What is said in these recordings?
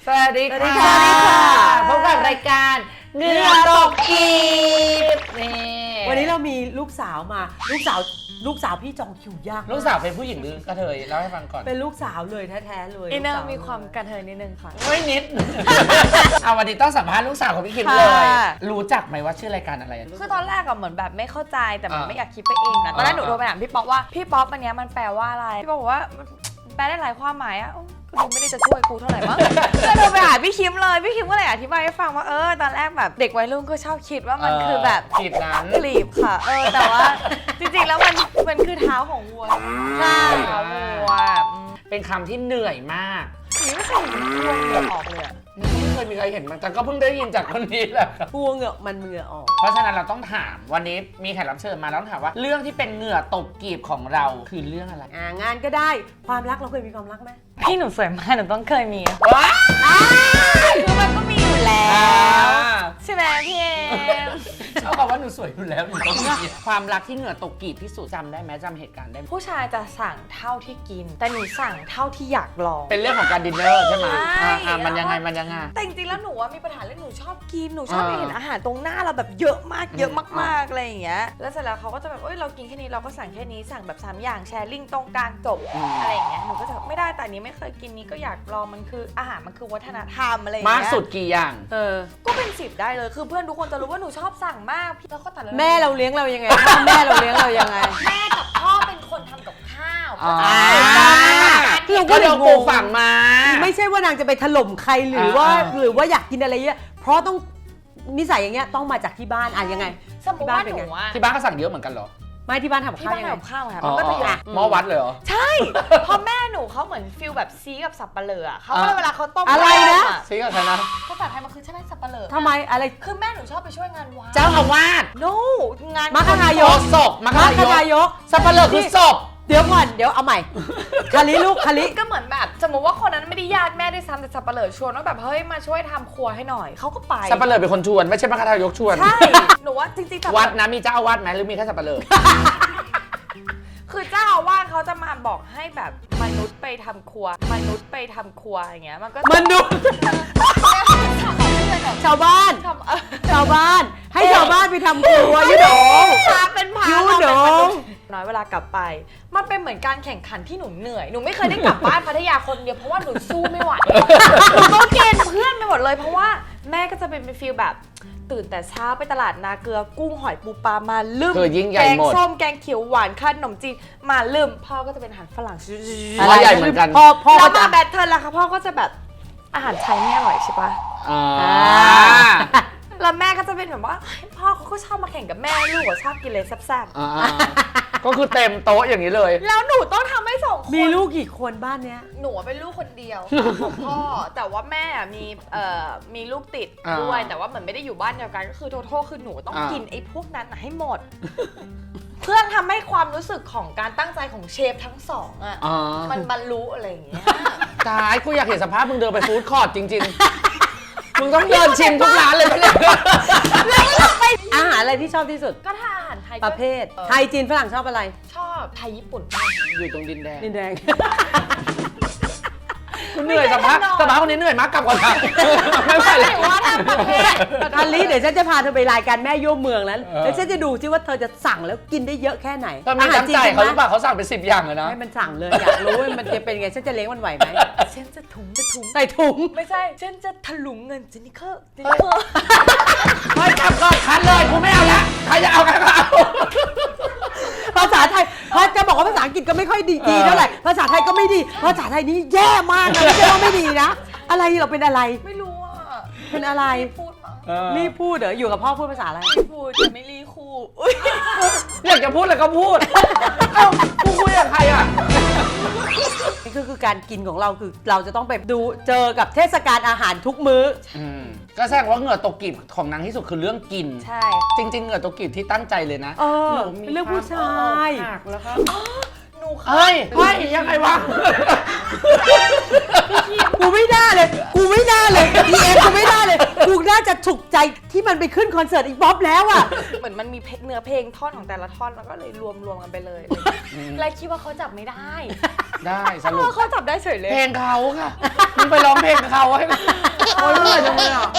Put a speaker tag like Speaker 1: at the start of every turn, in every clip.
Speaker 1: สวัสดีค่ะพบกับรายการเหงื่อตกกีบนี่
Speaker 2: วันนี้เรามีลูกสาวมาลูกสาวพี่จองคิวยาก
Speaker 1: ลูกสาวเป็นผู้หญิงหรือกระเทยเล่าให้ฟังก่อน
Speaker 2: เป็นลูกสาวเลยแท้ๆเลย
Speaker 3: อินเนอร์มีความกระเทยนิดนึงค่ะ
Speaker 1: ไม่นิด เอาวันนี้ต้องสัมภาษณ์ลูกสาวของพี่คิมเลยรู้จักไหมว่าชื่อรายการอะไร
Speaker 3: คือตอนแรกอะเหมือนแบบไม่เข้าใจแต่มันไม่อยากคิดไปเองนะตอนแรกหนูโทรไปถามพี่ป๊อปว่าพี่ป๊อปอันนี้มันแปลว่าอะไรพี่ป๊อปบอกว่าแปลได้หลายความหมายอะก็ดูไม่ได้จะช่วยกูเท่าไหร่มั้งก็โทรไปหาพี่คิมเลยพี่คิมก็เลยอธิบายให้ฟังว่าตอนแรกแบบเด็กวัยรุ่นก็ชอบคิดว่ามันคือแบบ
Speaker 1: กลีบนั้น
Speaker 3: กลีบค่ะแต่ว่าจริงๆแล้วมันคือเท้าของวัวใช่เท้าวัว
Speaker 1: เป็นคำที่เหนื่อยมาก
Speaker 3: นี่ไม่เคยเห็นวัวเหงื่อออกเลย
Speaker 1: ไม่เคยมีใครเห็นมันแต่ก็เพิ่งได้ยินจากคนนี้แหละ
Speaker 2: วัวเหงื่อมันเหงื่อออก
Speaker 1: เพราะฉะนั้นเราต้องถามวันนี้มีแขกรับเชิญมาแล้วต้องถามว่าเรื่องที่เป็นเหงื่อตกกีบของเราคือเรื่องอะไร
Speaker 2: งานก็ได้ความรักเราเคยมีความรักไหม
Speaker 3: พี่หนูสวยมากหนูต้องเคยมี
Speaker 1: ว้า
Speaker 3: คือมันก็มีอยู่แล้วใช่ไหมพี่เอม
Speaker 1: เขาบอกว่าหนูสวยอยู่แล้วหนูต้องมีความรักที่เหงื่อตกกีบที่สุดจำได้ไหมจำเหตุการณ์ได้ไหม
Speaker 3: ผู้ชายจะสั่งเท่าที่กินแต่หนูสั่งเท่าที่อยากลอง
Speaker 1: เป็นเรื่องของการดินเนอร์ใช่ไหมมันยังไงแต่
Speaker 3: จริงๆแล้วหนูว่ามีปัญหาเรื่องหนูชอบกินหนูชอบเห็นอาหารตรงหน้าเราแบบเยอะมากเยอะมากๆอะไรอย่างเงี้ยแล้วเสร็จแล้วเขาก็จะแบบเรากินแค่นี้เราก็สั่งแค่นี้สั่งแบบ3อย่างแชร์ลิงตรงกลางจบอะไรอย่างเงี้ยหนูก็จะไม่ได้แต่นี้ไม่เคยกินนี้ก็อยากลองมันคืออาหารมันคือวัฒนธรรมอะไรอย่างเงี้ย
Speaker 1: มากสุดกี่อย่าง
Speaker 3: ก็เป็น10ได้เลยคือเพื่อนทุกคนจะรู้ว่าหนูชอบสั่งมากพี่แล้วก็แต่ละ
Speaker 2: แม่เราเลี้ยงเรายังไงพ่อแม่เราเลี้ยงเรายังไง
Speaker 3: แม่กับพ่อเป็นคนทำกับข้าว
Speaker 2: เราก็เลยงง
Speaker 1: ฝั่งมา
Speaker 2: ไม่ใช่ว่านางจะไปถล่มใครหรือว่าอยากกินอะไรเงี้ยเพราะต้องนิสัยอย่างเงี้ยต้องมาจากที่บ้านยังไง
Speaker 3: สมมติว่าหนู
Speaker 1: ที่บ้านก็สั่งเยอะเหมือนกันเหรอ
Speaker 2: ไม่ที่บ้านทำข้าวยังไง
Speaker 3: ข้าวค่ะมันก็จะอยู่
Speaker 1: หม้อวัดเลยเหรอ
Speaker 3: ใช่พอแม่หนูเขาเหมือนฟิลแบบซีกับสับปะเลอเขาเวลาเขาต้ม
Speaker 2: อะไรนะ
Speaker 1: ซีกับใครนะ
Speaker 3: ภาษาไทยมันคือใช่ไหมสับปะเลอ
Speaker 2: ทำไมอะไร
Speaker 3: คือแม่หนูชอบไปช่วยงานวัด
Speaker 1: เจ้าอาวาส
Speaker 3: งาน
Speaker 2: มัคคายก
Speaker 1: ศพมัคคายกสับปะเลอคือศพ
Speaker 2: เดี๋ยวก่อนเดี๋ยวเอาใหม่คาริลูกคาริ
Speaker 3: ก็เหมือนแบบสมมติว่าคนนั้นไม่ได้ญาติแม่ได้ซ้ำแต่สับปะเลอชวนว่าแบบเฮ้ยมาช่วยทำครัวให้หน่อยเขาก็ไป
Speaker 1: สับปะเลอเป็นคนชวนไม่ใช่มัคคายกชวน
Speaker 3: ใช่หนูว่าจริง
Speaker 1: ๆวัดนะมีเจ้าอาวาสไหมหรือมีแค่สับปะเลอ
Speaker 3: คือเจ้าอาวาสเขาจะมาบอกให้แบบมนุษย์ไปทำครัวอย่างเงี้ยมันก็
Speaker 2: มนุษย์ชาวบ้านให้ชาวบ้านไปทำครัวยูโด
Speaker 3: เป็นพา
Speaker 2: ยูโด
Speaker 3: น้อยเวลากลับไปมันเป็นเหมือนการแข่งขันที่หนูเหนื่อยหนูไม่เคยได้กลับบ้านพัทยาคนเดียวเพราะว่าหนูสู้ไม่ไหวหนูต้องเกณฑ์เพื่อนไปหมดเลยเพราะว่าแม่ก็จะเป็นฟีลแบบตื่นแต่เช้าไปตลาดนาเกลือกุ้งหอยปูปลามาลืมแกงส้มแกงเขียวหวานขนมจีนมาลืมพ่อก็จะเป็นอาหารฝรั่ง
Speaker 1: อะไรใหญ่เหมือนกัน
Speaker 2: พ่อ
Speaker 3: แล้วมาแบทเทิลล่ะคะพ่อก็จะแบบอาหารไทยไม่อร่อยใช่ปะแล้วแม่ก็จะเป็นแบบว่าพ่อเขาก็ชอบมาแข่งกับแม่ลูกก็ชอบกินเลยแซ่บ
Speaker 1: ๆก็คือเต็มโต๊ะอย่างนี้เลย
Speaker 3: แล้วหนูต้องทำให้2 คน
Speaker 2: มีลูกกี่คนบ้านเนี้ย
Speaker 3: หนูเป็นลูกคนเดียวของพ่อแต่ว่าแม่มีลูกติดด้วยแต่ว่าเหมือนไม่ได้อยู่บ้านเดียวกันก็คือโทษคือหนูต้องกินไอ้พวกนั้นให้หมดเพื่อทำให้ความรู้สึกของการตั้งใจของเชฟทั้ง2มันบรรลุอะไรอย่างเงี้ย
Speaker 1: ตายกูอยากเห็นสภาพมึงเดินไปฟู้ดคอร์ทจริงๆมึงต้องเดินชิมทุกร้านเลยเนี่ย
Speaker 2: อาหารอะไรที่ชอบที่สุด
Speaker 3: ก็ถ้าอาหารไทย
Speaker 2: ประเภทไทยจีนฝรั่งชอบอะไร
Speaker 3: ชอบไทยญี่ปุ่น
Speaker 1: อยู่ตรงดินแดง
Speaker 2: คุณ
Speaker 1: เหนื่อยสภาพคนนี้เหนื่อยมากกลับก่อนไม่ไหวแล้ว
Speaker 3: ว่าทำประเภท
Speaker 2: ทันลีเดี๋ยวฉันจะพาเธอไปรายการแม่ย่เมืองแล้วฉันจะดูซิว่าเธอจะสั่งแล้วกินได้เยอะแค่ไหน
Speaker 1: อาหารจีนเขาหรือเปล่าเขาสั่งเป็น10 อย่างเลยนะ
Speaker 2: ให้มันสั่งเลยอยากรู้ว่ามันจะเป็นไงฉันจะเลี้ยงมันไหวไหม
Speaker 3: ฉันจะถุง
Speaker 2: ใส่ถุง
Speaker 3: ไม่ใช่ฉันจะถลุงเงินจินิเคอร์
Speaker 1: ไม่จับก็คัดเลยกูไม่เอาละใครจะเอากันก็เอา
Speaker 2: ภาษาไทยพอจะบอกว่าภาษาอังกฤษก็ไม่ค่อยดีเท่าไหร่ภาษาไทยก็ไม่ดีภาษาไทยนี่แย่มากนะไม่ใช่ว่าไม่ดีนะอะไรเราเป็นอะไร
Speaker 3: ไม่รู้อ่ะ
Speaker 2: เป็นอะไรรีบพูดเหรออยู่กับพ่อพูดภาษาอะไร
Speaker 3: พูดจะไม่รีคู่
Speaker 1: อยากจะพูดอะไรก็พูดเอ้ากูคุยกับใครอ่ะ
Speaker 2: นี่คือการกินของเราคือเราจะต้องไปดูเจอกับเทศกาลอาหารทุกมื้อ
Speaker 1: ก็แสดงว่าเหงื่อตกกีบของนางที่สุดคือเรื่องกิน
Speaker 3: ใช่
Speaker 1: จริงๆเหงื่อตกกีบที่ตั้งใจเลยนะ
Speaker 2: เรื่องผู้ชาย
Speaker 1: แล้วครับเฮ้ยยังไงวะ
Speaker 2: กูไม่น่าเลยพีเอ็มกูไม่น่าเลยกูน่าจะฉุกใจที่มันไปขึ้นคอนเสิร์ตอีกบ๊อบแล้วอ่ะ
Speaker 3: เหมือนมันมีเนื้อเพลงท่อนของแต่ละท่อนแล้วก็เลยรวมกันไปเลยและคิดว่าเขาจับไม่ได้
Speaker 1: ได้สรุป
Speaker 3: เขาจับได้เฉยเลย
Speaker 1: เพลงเขาค่ะมึงไปร้องเพลงเขาให้โอ้ยเหนื่อยจังเลยอ่ะ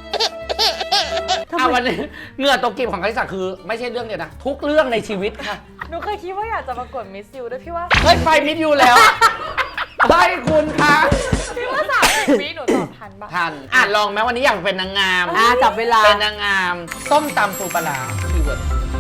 Speaker 1: วันนี้เหงื่อตกกีบของคาริสาคือไม่ใช่เรื่องเดียวนะทุกเรื่องในชีวิตค่ะ
Speaker 3: หนูเคยคิดว่าอยากจะประกวดมิสยูด้วยพี่ว่า
Speaker 1: เฮ้ยไฟมิดยูแล้วเฮ้ยคุณคะ
Speaker 3: พี่ว่า30 วิหนูตอบทันปะ
Speaker 1: ทันลองไหมวันนี้อยากเป็นนางงาม
Speaker 2: จับเวลา
Speaker 1: เป็นนางงามส้มตำปูปลาร้าคีย์เวิร์ด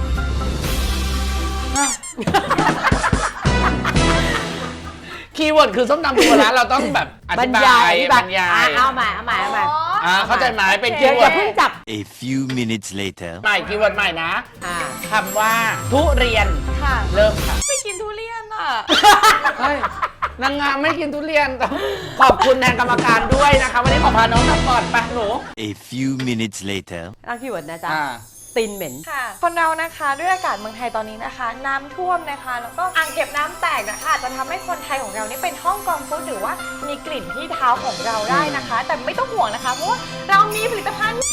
Speaker 1: คีย์เวิร์ดคือส้มตำปูปลาร้าเราต้องแบบอบ
Speaker 2: ร
Speaker 1: ธิ
Speaker 2: ร
Speaker 1: บาย
Speaker 2: าย
Speaker 1: บรรยาย
Speaker 2: เอาใหม่
Speaker 1: เข้าใจไหมเป็นคี
Speaker 2: เดี๋ยว
Speaker 1: ย์
Speaker 2: อ
Speaker 1: เวิร์
Speaker 2: ย่า
Speaker 1: ด
Speaker 2: เพิ่งจับ
Speaker 4: A few minutes later.
Speaker 1: ใหม่คีย์เวิร์ดใหม่นะ
Speaker 2: อ่า
Speaker 1: คำว่าทุเรียน
Speaker 3: ค่ะ
Speaker 1: เริ่มค่ะ
Speaker 3: ไม่กินทุเรียนอ่ะ
Speaker 1: เฮ้ยนางงามไม่กินทุเรียนต้องขอบคุณแทนกรรมการด้วยนะคะวันนี้ขอพาน้องทำก่อนไปหนู
Speaker 4: A few minutes later.
Speaker 2: ตั้งคีย์เวิร์ดนะจ๊ะ
Speaker 1: อ่า
Speaker 2: ตีนเหม็น
Speaker 3: ค่ะคนเรานะคะด้วยอากาศเมืองไทยตอนนี้นะคะ น้ำท่วมนะคะ แล้วก็อ่างเก็บน้ำแตกนะคะอาจจะทำให้คนไทยของเรานี่เป็นห้องกองฟุตหรือว่ามีกลิ่นที่เท้าของเราได้นะคะ แต่ไม่ต้องห่วงนะคะเพราะว่าเรามีผลิตภัณฑ์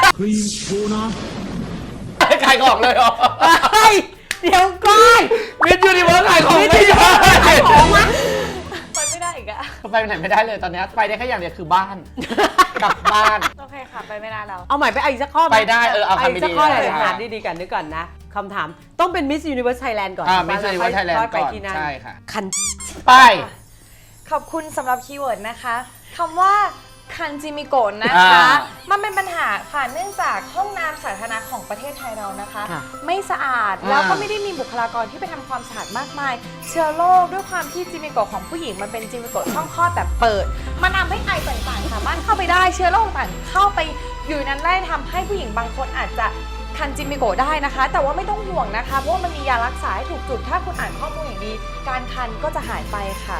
Speaker 1: ขายของเลยเหรอ
Speaker 2: เฮ้ย เดี๋ยวก่อน
Speaker 1: มิสยูนิเวิร์สขายของไม่ได้
Speaker 2: ขายของวะ
Speaker 3: ไปไม่ได้อีกอะ
Speaker 1: ไปไหนไม่ได้เลยตอนนี้ไปได้แค่อย่างเดียวคือบ้าน กลับบ้าน
Speaker 3: โอเคค่ะ ไปไม่ได้แล้ว
Speaker 2: เอาใหม่ไปอีกสักข้อหม
Speaker 1: ไปได้เอาคำ
Speaker 2: อีก
Speaker 1: ดีๆ
Speaker 2: สักข้อเลย
Speaker 1: ได้
Speaker 2: ถามดีๆกันนึกก่อนนะคำถามต้องเป็น Miss Universe Thailand ก่อน
Speaker 1: มิสยูนิเวิร์สไทยแลนด์
Speaker 2: ค่อยไป
Speaker 1: ก่อน
Speaker 2: ที่นั่น
Speaker 1: ใช่ค่ะ
Speaker 2: คัน
Speaker 1: ไป
Speaker 3: ขอบคุณสำหรับคีย์เวิร์ดนะคะคำว่าคันจิมิโกะนะคะ มันเป็นปัญหาค่ะเนื่องจากห้องน้ำสาธารณะของประเทศไทยเรานะคะ
Speaker 2: ค่ะ
Speaker 3: ไม่สะอาดแล้วก็ไม่ได้มีบุคลากรที่ไปทำความสะอาดมากมาย เชื้อโรคด้วยความที่จิมิโกะของผู้หญิงมันเป็นจิมิโกะช่องคลอดแบบเปิด มันทำให้ไอต่างๆ สามารถเข้าไปได้เชื้อโรคต่างๆเข้าไปอยู่นั้นได้ทำให้ผู้หญิงบางคนอาจจะคันจิมิโกะได้นะคะ แต่ว่าไม่ต้องห่วงนะคะเพราะว่ามันมียารักษาให้ถูกจุดถ้าคุณอ่านข้อมูลอย่างดี การคันก็จะหายไปค่ะ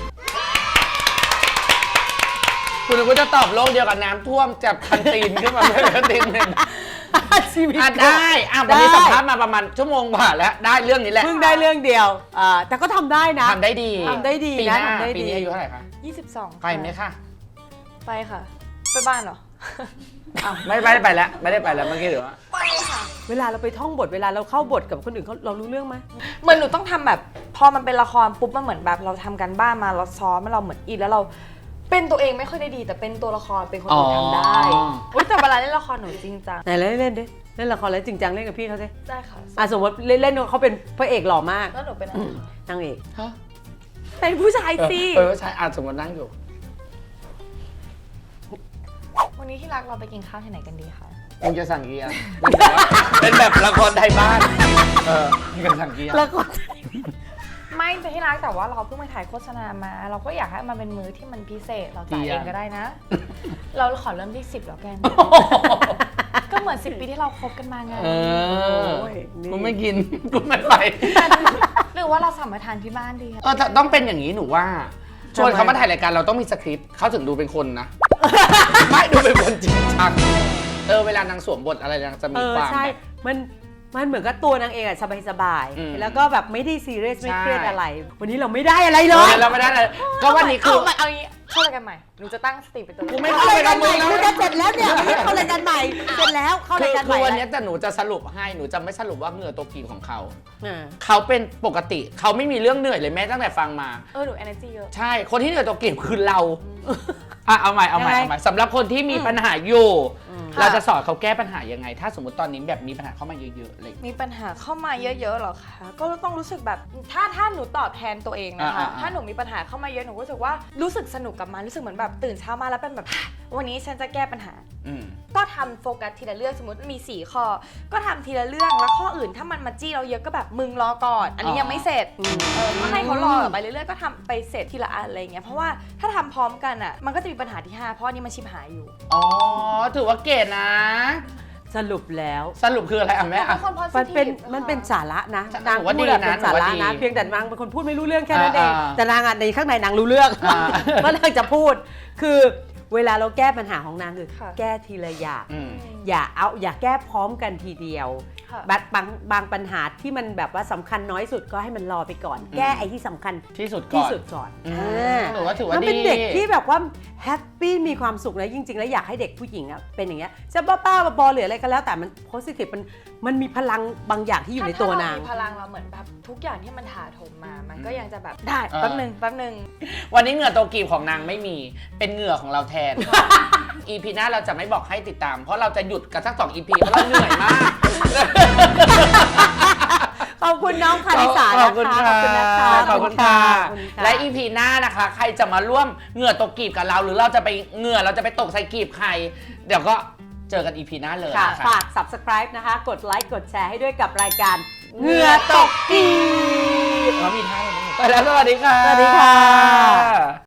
Speaker 1: คุณก็จะตอบโลกเดียวกับน้ำท่วมจับคันตีนขึ้นมาเป็นคันตีนหนึ่ง
Speaker 2: ชีวิต
Speaker 1: ได้วันนี้สัมภาษณ์มาประมาณชั่วโมงกว่าแล้วได้เรื่องนี้แหละ
Speaker 2: เพิ่งได้เรื่องเดียวแต่ก็ทำได้นะ
Speaker 1: ทำได้ดี
Speaker 2: ทำได้ดี
Speaker 1: ปีห
Speaker 2: นะ
Speaker 1: น้า
Speaker 2: ทำได้
Speaker 1: ปี
Speaker 2: ดี
Speaker 1: นี้อายุเท่าไหร่คะ
Speaker 3: 22
Speaker 1: ไปไหมคะ
Speaker 3: ไปค่ะ ไปบ้านเหรอ
Speaker 1: ไม่ได้ไปแล้วไม่ได้ไปแล้วเมื่อกี้หรือว่า
Speaker 3: ไปค่ะ
Speaker 2: เวลาเราไปท่องบทเวลาเราเข้าบทกับคนอื่นเรารู้เรื่องไหม
Speaker 3: เหมือนหนูต้องทำแบบ พอมันเป็นละครปุ๊บมันเหมือนแบบเราทำกันบ้านมาเราซ้อมเราเหมือนอินแล้วเราเป็นตัวเองไม่ค่อยได้ดี แต่เป็นตัวละครเป็นคนอื่นทำได้อุ๊ยแต่เวลาเล่นละครหนูจริงจัง
Speaker 2: ไหนเล่นดิเล่นละครแล้วจริงจังเล่นกับพี่เขาสิ
Speaker 3: ได้ค่ะ
Speaker 2: สมมติเล่นเขาเป็นพระเอกหล่อมาก
Speaker 3: แล้วหนูเป็นอะไรคะ
Speaker 2: นางเอก
Speaker 1: ฮะ
Speaker 3: เป็นผู้ชายสิ
Speaker 1: ใช่สมมตินั่งอยู่
Speaker 3: วันนี้ที่รักเราไปกินข้าวที่ไหนกันดีคะ
Speaker 1: มึงจะสั่งกี่อย่างเป็นแบบละครไทยบ้านมึงจะสั่งกี่อย่าง
Speaker 2: แล้วก็
Speaker 3: ไม่แต่ที่รักแต่ว่าเราเพิ่งไปถ่ายโฆษณามา เราก็อยากให้มันเป็นมื้อที่มันพิเศษเราจ่ายเองก็ได้นะ เราขอเริ่มที่10แล้วกัน ก็เหมือน10 ปีที่เราคบกันมาไง
Speaker 1: กูไม่กินกูไม่ไป
Speaker 3: หรือว่าเราสามารถทานที่บ้านดีคะ
Speaker 1: ต้องเป็นอย่างนี้หนูว่าชวนเขามาถ่ายรายการเราต้องมีสคริปต์เขาถึงดูเป็นคนนะ ไม่ดูเป็นคนจริงจังเวลานางสวมบทอะไรนางจะมีความ
Speaker 2: ใช่
Speaker 1: แบบ
Speaker 2: มันเหมือนกับตัวนางเอกอะสบาย
Speaker 1: อืม
Speaker 2: ๆแล้วก็แบบไม่ได้ซีเรียสไม่
Speaker 1: ใช่
Speaker 2: เครียดอะไร วันนี้เราไม่ได้อะไรเลย
Speaker 1: เราไม่ได้เลยก็วันนี้คือ
Speaker 3: เอาอย่างนี้เข้ารายการใหม่หนูจะตั้งสติเป็นตัว
Speaker 1: กูไม่
Speaker 2: เข้ารายการใหม่
Speaker 1: เข้า
Speaker 2: คุ
Speaker 1: ราย
Speaker 2: ณ
Speaker 1: การ
Speaker 2: จะเสร็จแล้วเนี่ยไม่เข้ารายการใหม่เสร็จแล้วเข้ารายการให
Speaker 1: คื
Speaker 2: ม่
Speaker 1: อวันนี้แต่หนูจะสรุปให้หนูจะไม่สรุปว่าเหงื่อตัวกีบของเขา
Speaker 2: อ่า
Speaker 1: เขาเป็นปกติเขาไม่มีเรื่องเหนื่อยเลยแม้ตั้งแต่ฟังมา
Speaker 3: หนู energy เยอะ
Speaker 1: ใช่คนที่เหนื่อยตัวกีบคือเราเอาใหม่สำหรับคนที่มีปัญหาอยู่ เราจะสอนเขาแก้ปัญหายังไง ถ้าสมมติตอนนี้แบบมีปัญหาเข้ามาเยอะๆอะไรอย่างเงี้ย
Speaker 3: มีปัญหาเข้ามาเยอะๆหรอคะก็ต้องรู้สึกแบบถ้าหนูตอบแทนตัวเองนะคะ ถ้าหนูมีปัญหาเข้ามาเยอะหนูรู้สึกว่ารู้สึกสนุกกับมันรู้สึกเหมือนแบบตื่นเช้ามาแล้วเป็นแบบ วันนี้ฉันจะแก้ปัญหา
Speaker 1: อืม
Speaker 3: ก็ทำโฟกัสทีละเรื่องสมมติมี4ข้อก็ทำทีละเรื่องแล้วข้ออื่นถ้ามันมาจี้เราเยอะก็แบบมึงรอก่อน อันนี้ยังไม่เสร็จก็ให้เขารอไปเรื่อยๆก็ทำไปเสร็จทีละอันอะไรอย่างเงี้ยเพราะว่าถ้าทำพร้อมกันอ่ะมันก็จะมีปัญหาที่5เพราะอันนี้มันชิบหายอยู่
Speaker 1: อ๋อถือว่าเกรดนะ
Speaker 2: สรุปแล้ว
Speaker 1: สรุปคืออะไรอ่ะแม่
Speaker 3: เป็
Speaker 1: อ่ะ
Speaker 3: นคน positive
Speaker 2: มันเป็นสาระนะ
Speaker 1: หนู
Speaker 2: นาง
Speaker 1: ว่า
Speaker 2: พูด
Speaker 1: ดี
Speaker 2: อะ
Speaker 1: นะ
Speaker 2: เป็นสาระ
Speaker 1: หนูว่า
Speaker 2: นะ
Speaker 1: ดี
Speaker 2: เพียงแต่นางเป็นคนพูดไม่รู้เรื่องแค่นั้นเอง
Speaker 1: อ่า
Speaker 2: แต่นางอะในข้างในนางรู้เรื่อง
Speaker 1: อ่า
Speaker 2: ว่านางจะพูดคือเวลาเราแก้ปัญหาของนางคือ
Speaker 3: ค่ะ
Speaker 2: แก้ทีละอย่าง
Speaker 1: อืม
Speaker 2: อย่าแก้พร้อมกันทีเดียว
Speaker 3: ค่ะ
Speaker 2: บางปัญหาที่มันแบบว่าสำคัญน้อยสุดก็ให้มันรอไปก่อน แก้ไอ้ที่สำคัญ
Speaker 1: ที่สุดก่
Speaker 2: ที่
Speaker 1: อน
Speaker 2: สุดก่อน
Speaker 1: อืม
Speaker 2: อ่า
Speaker 1: หนูว่าถือว่า
Speaker 2: มันเป็น
Speaker 1: ดี
Speaker 2: เด็กที่แบบว่าแฮปปี้มีความสุขนะจริง ๆ แล้วอยากให้เด็กผู้หญิงอะเป็นอย่างเงี้ยจะบ้าๆบอๆหรืออะไรก็แล้วแต่มันโพสิทีฟมันมีพลังบางอย่างที่อยู่ในตัวนาง
Speaker 3: ถ้เรมีพลังเราเหมือนแบบทุกอย่างที่มันถาโถมมา มันก็ยังจะแบบได้แป๊บนึง
Speaker 1: วันนี้เหงื่อโตกีบของนางไม่มีเป็นเหงื่อของเราแทน EP หน้าเราจะไม่บอกให้ติดตาม เพราะเราจะหยุดกันสัก2 EP เพราะเราเหนื่อยมาก
Speaker 2: ขอบคุณน้องคาริสา
Speaker 1: ข
Speaker 2: นะ
Speaker 1: อบคุณ
Speaker 2: คะ
Speaker 1: ค่ะ
Speaker 2: ขอบคุณนะคะ
Speaker 1: ขอบคุณค่ะ
Speaker 2: ขอบคุณค่ะ
Speaker 1: และ EP หน้านะคะ ใครจะมาร่วมเหงื่อตกกีบกับเรา หรือเราจะไปเหงื่อเราจะไปตกใส่กีบใคร เดี๋ยวก็เจอกัน EP หน้าเลย
Speaker 2: ค่ะ
Speaker 1: นะคะ
Speaker 2: ฝาก subscribe นะคะ กดไลค์กดแชร์ให้ด้วยกับรายการเหงื่อตกกีบ
Speaker 1: เรามีท่าเลยนะไปแล้วสวัสดีค่ะ
Speaker 2: สวัสดีค่ะ